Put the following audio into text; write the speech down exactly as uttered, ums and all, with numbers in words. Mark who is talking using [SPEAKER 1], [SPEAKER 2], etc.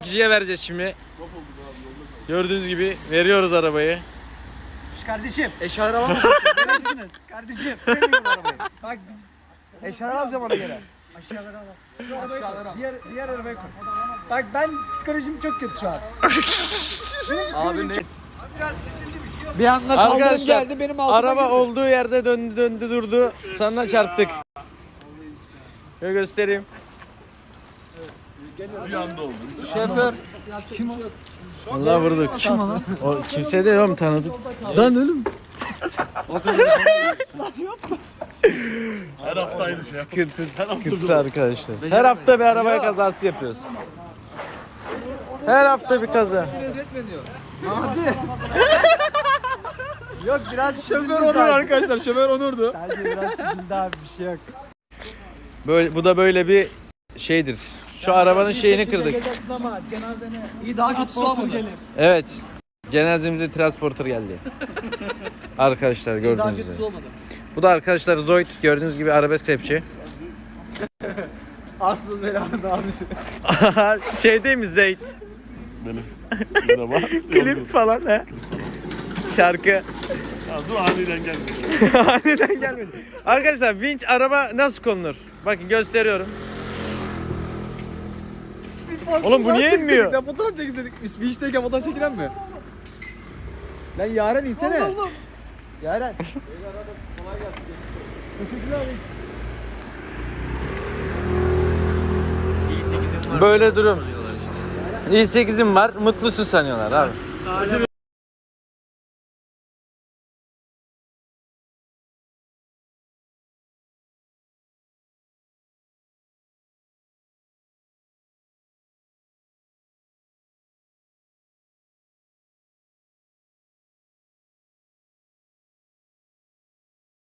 [SPEAKER 1] kişiye vereceğiz şimdi. Gördüğünüz gibi veriyoruz arabayı.
[SPEAKER 2] Kardeşim. Eşyaları alamazsın. Neredesiniz? Kardeşim. Sevmiyorum arabayı. Bak biz. Eşyaları alacağım ona göre. Aşağıları al. Aşağıları al. Diğer, diğer arabaya koy. Bak ben psikolojim çok kötü şu an. Abi ne? Biraz çizildi bir şey yok. Bir anda kaldırım geldi benim altıma
[SPEAKER 1] araba
[SPEAKER 2] girdi.
[SPEAKER 1] olduğu yerde döndü döndü durdu. Sonra çarptık. Şöyle göstereyim.
[SPEAKER 3] Bir anda oldu.
[SPEAKER 2] Şoför. Kim o?
[SPEAKER 1] Allah vurduk.
[SPEAKER 2] Kim o lan?
[SPEAKER 1] O kimse değil oğlum, tanıdık.
[SPEAKER 2] Lan oğlum.
[SPEAKER 3] Her hafta aynı şey.
[SPEAKER 1] Sıkıntı, sıkıntı arkadaşlar. Her hafta bir araba kazası yapıyoruz. Her hafta bir kaza.
[SPEAKER 2] Rezil etme diyor. Abi. Yok biraz
[SPEAKER 4] Şoför Onur arkadaşlar, şoför Onur'du.
[SPEAKER 2] Sadece biraz çizildi abi, bir şey yok.
[SPEAKER 1] Böyle, bu da böyle bir şeydir. Şu arabanın şeyini kırdık.
[SPEAKER 2] Ama cenazene iyi daha kötü olmadı.
[SPEAKER 1] Evet. Cenazemize transporter geldi. Arkadaşlar
[SPEAKER 2] Daha
[SPEAKER 1] gördüğünüz
[SPEAKER 2] kötüsü
[SPEAKER 1] üzere.
[SPEAKER 2] olmadı.
[SPEAKER 1] Bu da arkadaşlar Zoid, gördüğünüz gibi arabesk rapçi.
[SPEAKER 2] Arsız belanın abisi.
[SPEAKER 1] Şey değil mi Zeyd?
[SPEAKER 3] Benim. Merhaba.
[SPEAKER 1] Klip falan he. Şarkı.
[SPEAKER 3] Ya dur aniden geldi.
[SPEAKER 1] Aniden gelmedi. Arkadaşlar vinç araba nasıl konulur? Bakın gösteriyorum. Oğlum bu niye inmiyor?
[SPEAKER 4] Ben fotoğraf çekilseydik. Biz beach'teyken fotoğraf çekilen mi? Lan Yaren insene.
[SPEAKER 2] Allah Allah.
[SPEAKER 4] Yaren.
[SPEAKER 1] Böyle durum. i sekizim var, mutlusun sanıyorlar abi.